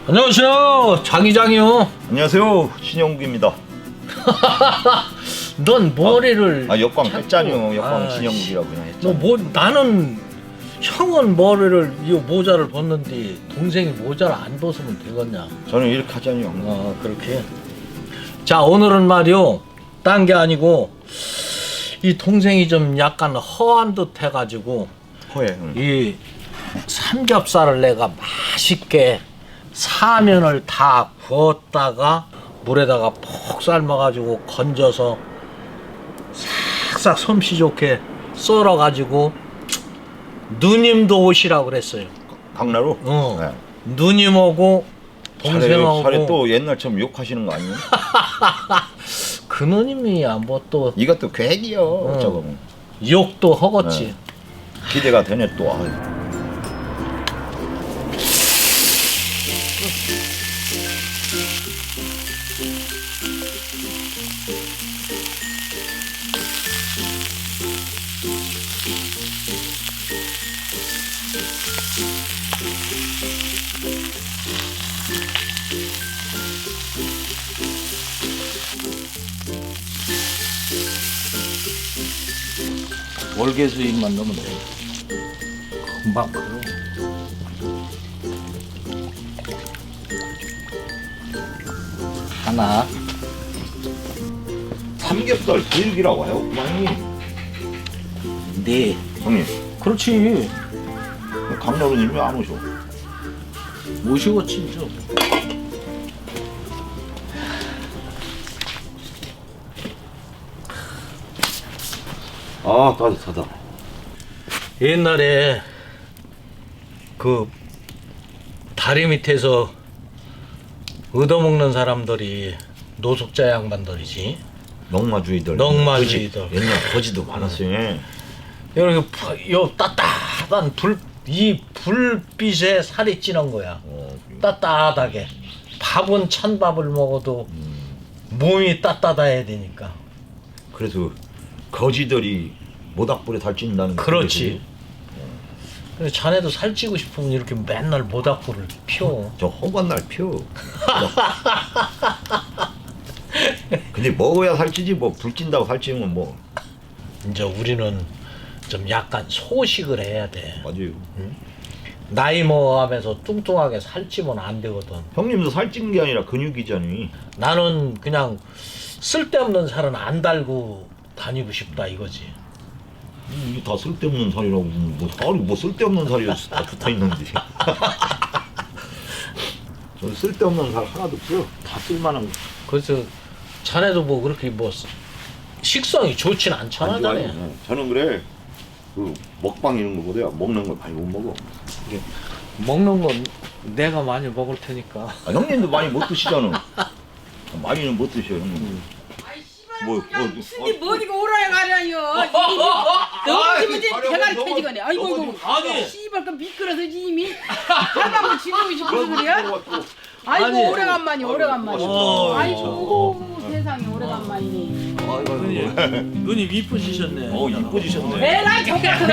안녕하세요, 장이장이요. 안녕하세요, 신영국입니다. 넌 머리를 역광 자꾸- 했잖요. 역광 아, 신영국이라고 그냥 했잖아. 나는 형은 머리를 이 모자를 벗는데 동생이 모자를 안 벗으면 되겠냐? 저는 이렇게 하잖요. 그렇게. 자, 오늘은 말이요, 딴 게 아니고 이 동생이 좀 약간 허한 듯 해가지고 허해. 응. 이 삼겹살을 내가 맛있게 사면을 다 구웠다가 물에다가 푹 삶아가지고 건져서 싹싹 솜씨 좋게 썰어가지고 누님도 오시라고 그랬어요. 강나루? 네. 누님하고 동생하고. 차례 또 옛날처럼 욕하시는 거 아니에요? 그 누님이야 뭐 또 이것도 계획이요. 저거. 욕도 허겄지. 네. 기대가 되네 또. 아유. 월계수잎만 넣으면 돼. 금방 그러. 하나. 삼겹살 교육이라고 해요, 그만이. 네. 형님, 그렇지. 강나루님 왜 안 오셔? 모시고 친죠. 아, 따뜻하다. 옛날에 그 다리 밑에서 얻어먹는 사람들이 노숙자 양반들이지. 넉마주의들. 넉마주의들. 거지. 옛날 거지도 많았어요. 이렇게 요 따뜻한 이 불빛에 살이 찌는 거야. 따뜻하게. 밥은 찬밥을 먹어도 몸이 따뜻해야 되니까. 그래서 거지들이 모닥불에 달찐다는. 그렇지. 그래서 자네도 살찌고 싶으면 이렇게 맨날 모닥불을 피워. 저 허구한 날 피워. 근데 먹어야 살찌지 뭐 불찐다고 살찌면 뭐. 이제 우리는 좀 약간 소식을 해야 돼. 맞아요. 나이 먹어가면서 뚱뚱하게 살찌면 안 되거든. 형님도 살찐 게 아니라 근육이잖니. 나는 그냥 쓸데없는 살은 안 달고 다니고 싶다 이거지. 이게 다 쓸데없는 살이라고. 뭐 살이 뭐 쓸데없는 살이 다 붙어 있는데. 저 쓸데없는 살 하나도 없어. 다 쓸만한 거. 그래서 자네도 뭐 그렇게 뭐 식성이 좋진 않잖아. 안 좋아요. 자네. 네. 저는 그래. 그 먹방 이런 거보다 먹는 걸 많이 못 먹어. 먹는 건 내가 많이 먹을 테니까. 형님도 많이 못 드시잖아. 많이는 못 드셔요, 형님. 근데 뭐 어디가 오라야 가냐요. 너무 지면 대가리 터지거네. 아이고 아니. 씨발 그 미끄러서 이미 할망을 지르고 싶어서 그래. 아이고 아니. 오래간만이 오래간만이. 아이고 세상에 오래간만이네. 누님 이쁘시셨네. 이쁘지셨네. 에라이 좋겠구나.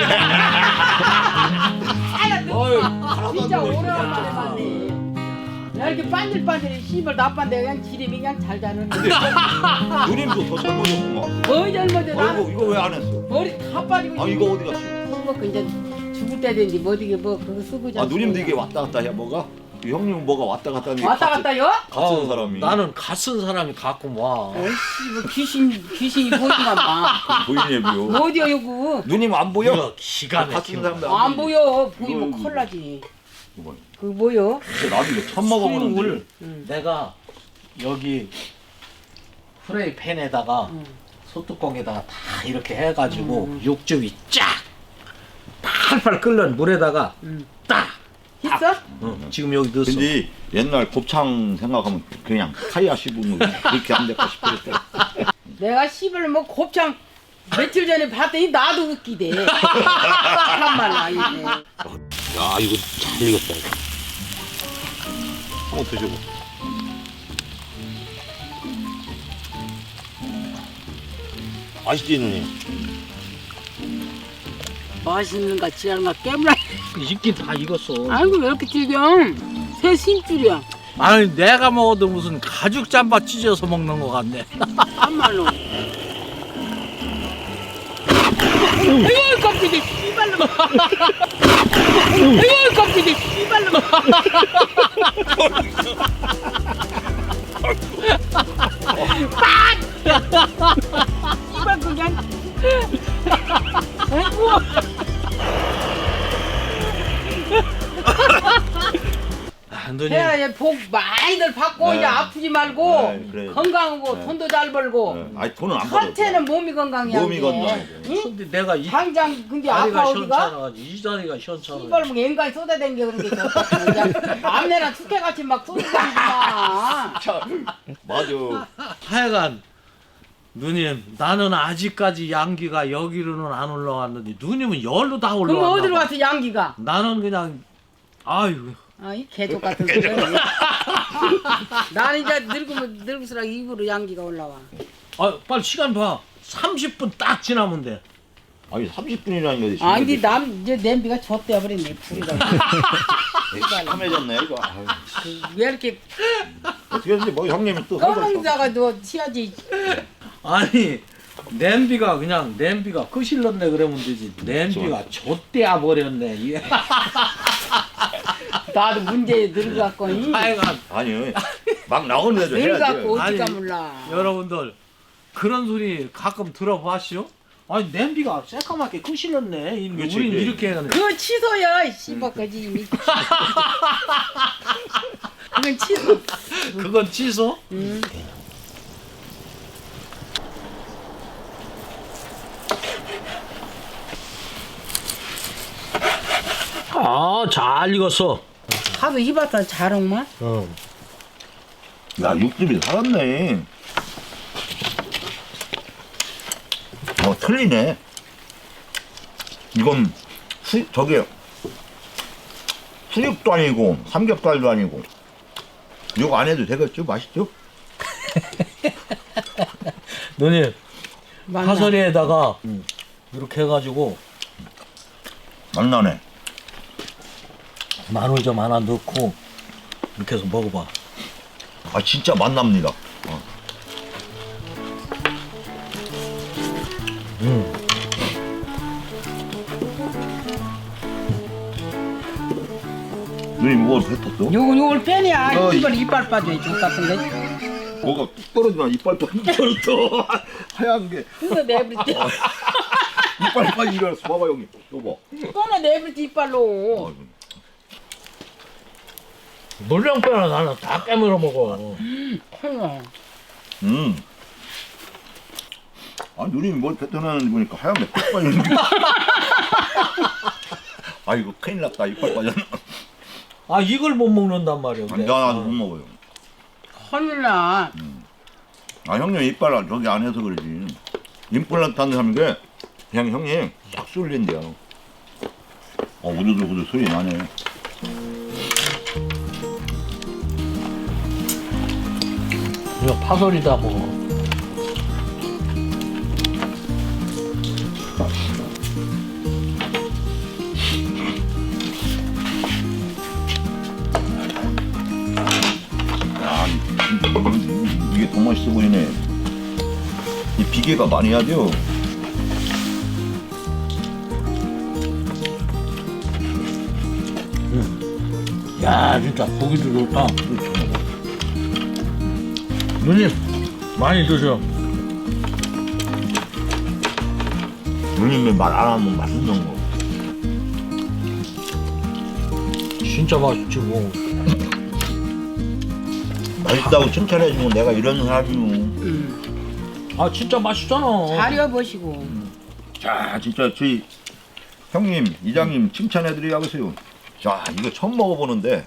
진짜 오래간만에 봤네. 야 이렇게 반질반질해 씨발 나빠인데 그냥 지름이 그냥 잘 자르는데. 누님도 더 젊어졌구만. 뭐 젊어져 이거 나는 이거 왜 안 했어? 머리 다 빠지고. 아 이거 어디 갔어? 먹고 이제 죽을 때 되는지 뭐 어디게 뭐 그거 쓰고 아 누님도 이게 왔다 갔다 해 뭐가? 형님은 뭐가 왔다 갔다 하는 게 왔다 갔다요? 같은 사람이. 나는 갓쓴 사람이 가끔 와. 어이씨 뭐 귀신이 보이만 봐. 보이네요. 어디요 요거? 누님 안 보여? 이거 기가 같은 막힌 거. 사람도 안 보여. 보이면 이거, 큰일 나지. 이거. 그 뭐요? 진짜 나도 이거 처음 먹어보는데. 수육을 내가 여기 프라이팬에다가 소뚜껑에다가 다 이렇게 해가지고 육즙이 쫙 팔팔 끓는 물에다가 딱. 있어? 지금 여기 넣었어. 근데 옛날 곱창 생각하면 그냥 카이아 씹으면 그렇게 안 될까 싶었대. 내가 씨발 뭐 곱창 며칠 전에 봤더니 나도 웃기대. 참말라 이네. 야 이거 잘 익었다. 이거. 한번 드셔봐. 맛있지 누님? 맛있는가 지랄가 깨물어. 익긴 다 익었어. 아이고 왜 이렇게 질겨? 새 심줄이야. 아니 내가 먹어도 무슨 가죽 잠바 찢어서 먹는 것 같네. 참말로. 아이고 깜짝이 씨발로. 아이고 깜짝이 씨발로. 씨발 그냥. 아이고. 아, 누님. 해야 복 많이들 받고 네. 이제 아프지 말고 네, 그래. 건강하고 네. 돈도 잘 벌고. 네. 아니 돈은 안 벌어. 첫째는 몸이 건강이야. 몸이 이게. 건강해. 응? 근데 내가 이 당장 근데 다리가 아파 어디가? 시원찮아가지고 이 다리가 시원찮아. 씨발 뭐 인간이 쏟아댕겨 그런 게 좋다. 그냥 암내나 축해같이 막 쏟아댕기구만. 맞아. 하여간 누님 나는 아직까지 양기가 여기로는 안 올라왔는데 누님은 열로 다 그럼 올라왔나 어디로 봐. 가서 양기가? 나는 그냥 아유 아이 개족 같은 소리. 나는 이제 늙을수록 입으로 양기가 올라와. 아 빨리 시간 봐. 30분 딱 지나면 돼. 아니 30분이라는 게. 아 근데 남 이제 냄비가 젖대어 버렸네 불이가. 참해졌네 이거. 아유. 왜 이렇게 어떻게 했는지 뭐 형님이 또 설거지. 꺼먹다가 너 치야지. 아니 냄비가 그냥 냄비가 끄실렀네 그러면 되지. 냄비가 좆대야 버렸네. 이게. 나도 문제에 늙어갖고 이 하여간 아니 막 나오는 데도 해야지. 늙어갖고 어디가 아니, 몰라. 여러분들 그런 소리 가끔 들어보시오? 아니 냄비가 새까맣게 끄실렀네. 그렇지, 우린 그래. 이렇게 해야 되는데. 그거 취소야 씨발까지 이미. 그건 취소. 그건 취소? 아, 잘 익었어. 하도 입었다 자롱만. 야 육즙이 살았네. 틀리네. 이건 저게 수육도 아니고 삼겹살도 아니고. 이거 안 해도 되겠죠? 맛있죠? 누님, 맞나? 파서리에다가 이렇게 해가지고 맛나네. 마늘 좀 하나 넣고 이렇게 해서 먹어봐. 아 진짜 맛납니다. 누님 뭐 뱉었어? 요걸 빼냐? 어, 이걸 이빨 빠져 족 같은 게. 뭐가 뚝 떨어지면 이빨도 한번 또 하얀 게 그거 내버리지. 이빨 빨리 일어나서 봐봐 형님. 이거 꺼내 내버리지 이빨로. 봐. 물량 빼라 나는 다 깨물어 먹어. 헐라. 아 누님이 뭘 뱉어내는지 보니까 하얀 게 뚝 빠지는 게. 아이고 큰일 났다 이빨 빠졌나. 아 이걸 못 먹는단 말이야. 근데. 나도 못 먹어요. 헐라. 아 형님 이빨 저기 안 해서 그러지. 임플란트 하는 사람인데 그냥 형님 싹 쏠린대요. 우두둑우두 소리 나네. 이거 파설이다 먹어. 야, 이게 더 맛있어 보이네. 이 비계가 많이 하죠. 야 진짜 고기도 좋다. 누님 많이 드셔. 누님이 말 안 하면 맛있는 거. 진짜 맛있지 뭐. 맛있다고 칭찬해주면 내가 이런 사람이요. 아 진짜 맛있잖아. 잘 입어보시고. 자, 진짜 저희 형님, 이장님 칭찬해드리라고요. 자, 이거 처음 먹어보는데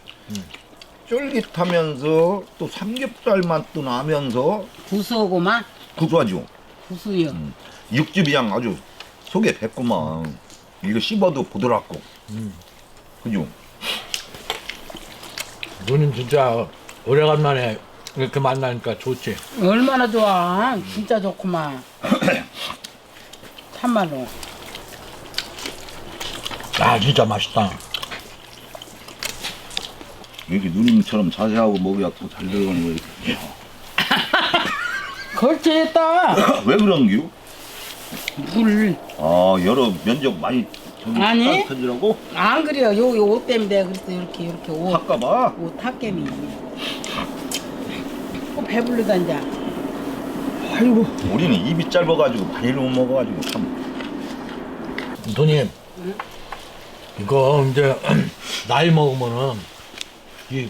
쫄깃하면서 또 삼겹살 맛도 나면서 구수하고만. 구수하죠. 구수요. 육즙이 그냥 아주 속에 뱄구만. 이거 씹어도 부드럽고. 그죠? 누님 진짜 오래간만에 이렇게 만나니까 좋지. 얼마나 좋아. 진짜 좋구만. 참말로. 아 진짜 맛있다. 이렇게 누님처럼 자세하고 먹어야 더 잘 들어가는 거야. 이렇게. 걸쳐 했다. 왜 그런 겨? 물. 아 여러 면적 많이 저기 아니. 던지라고? 안 그래요. 요 옷 때문에 내가 그랬어. 이렇게 옷. 할까봐. 옷 탁겜이. 배불르다 이제. 아이고 우리는 입이 짧아가지고 많이를 못 먹어가지고 참. 누님, 이거 이제 나이 먹으면은 이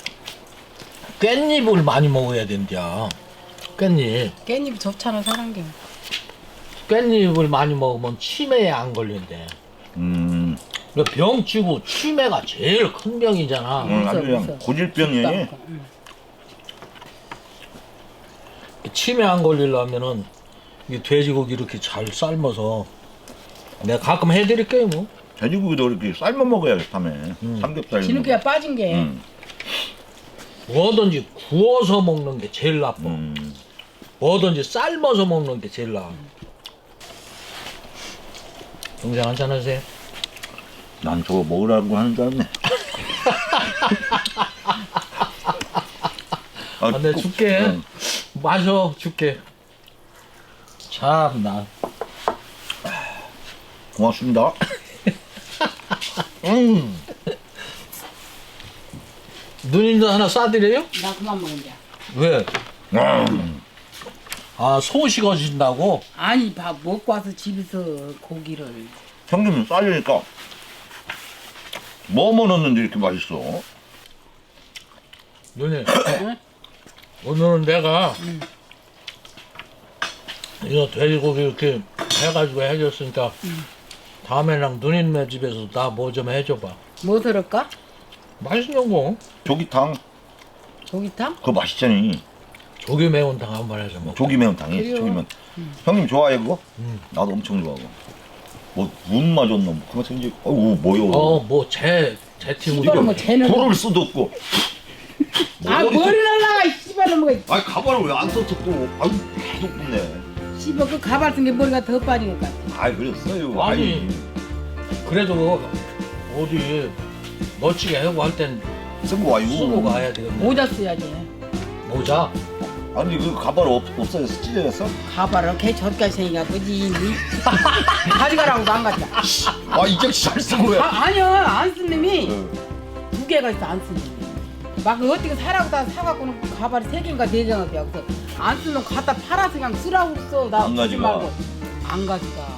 깻잎을 많이 먹어야 된대요. 깻잎. 깻잎이 좋잖아 사는 게. 깻잎을 많이 먹으면 치매에 안 걸린대. 그러니까 병치고 치매가 제일 큰 병이잖아. 아주 그냥 무서워. 고질병이야. 응. 치매 안 걸리려면은 이 돼지고기 이렇게 잘 삶아서 내가 가끔 해드릴게요 뭐. 돼지고기도 이렇게 삶아 먹어야겠다며. 삼겹살. 진흙이가 빠진 게. 뭐든지 구워서 먹는 게 제일 나빠. 음. 뭐든지 삶아서 먹는 게 제일 나아. 동생 한잔 하세요. 난 저거 먹으라고 하는 줄 알았네. 아, 내가 꼭- 줄게. 응. 마셔 줄게. 참나. 고맙습니다. 누님도 하나 싸드려요? 나 그만 먹은다. 왜? 음. 아, 소 식어진다고? 아니 밥 먹고 와서 집에서 고기를. 형님은 쌀이니까 뭐 넣었는데 이렇게 맛있어? 누님, 응? 오늘은 내가 이거 돼지고기 이렇게 해가지고 해줬으니까 다음에랑 누님네 집에서 나 뭐 좀 해줘봐. 뭐 들을까? 맛있는 거. 조기탕 조기탕? 그거 맛있잖니. 조개 매운탕 한번 해서 먹어. 조기 매운탕이. 그래요. 조기 매운. 형님 좋아해 그거? 음. 나도 엄청 좋아하고. 뭐문 맞았나 뭐 그만 생지. 어우 뭐요? 제 팀으로. 이거는 뭐 쟤는. 부를 수도 없고. 아 머리 머리 날라가 씨발로 먹어. 아니 가발을 왜 안 썼어 또? 아유 계속 붙네. 씨발 그 가발 쓴 게 머리가 더 빠진 것 같아. 아이 그랬어요. 아니. 그래도 어디 멋지게 하고 할 땐 쓰고 와요. 쓰고 가야 되겠네. 모자 써야지. 모자. 아니 그 가발 없어졌어? 찢어졌어? 가발을 걔 저기까지 생기가 그지. 가져가라고도 안 갔다. 아 이제 잘 쓰고 해. 아니야 안 쓴 놈이 응. 두 개가 있어 안 쓴 놈이. 막 어떻게 사라고 다 사갖고는 가발이 세 개인가 네 개인가 돼. 그래서 안 쓰는 거 갖다 팔아서 그냥 쓰라고 써. 나 안 쓰지 가져가. 말고. 안 가져가.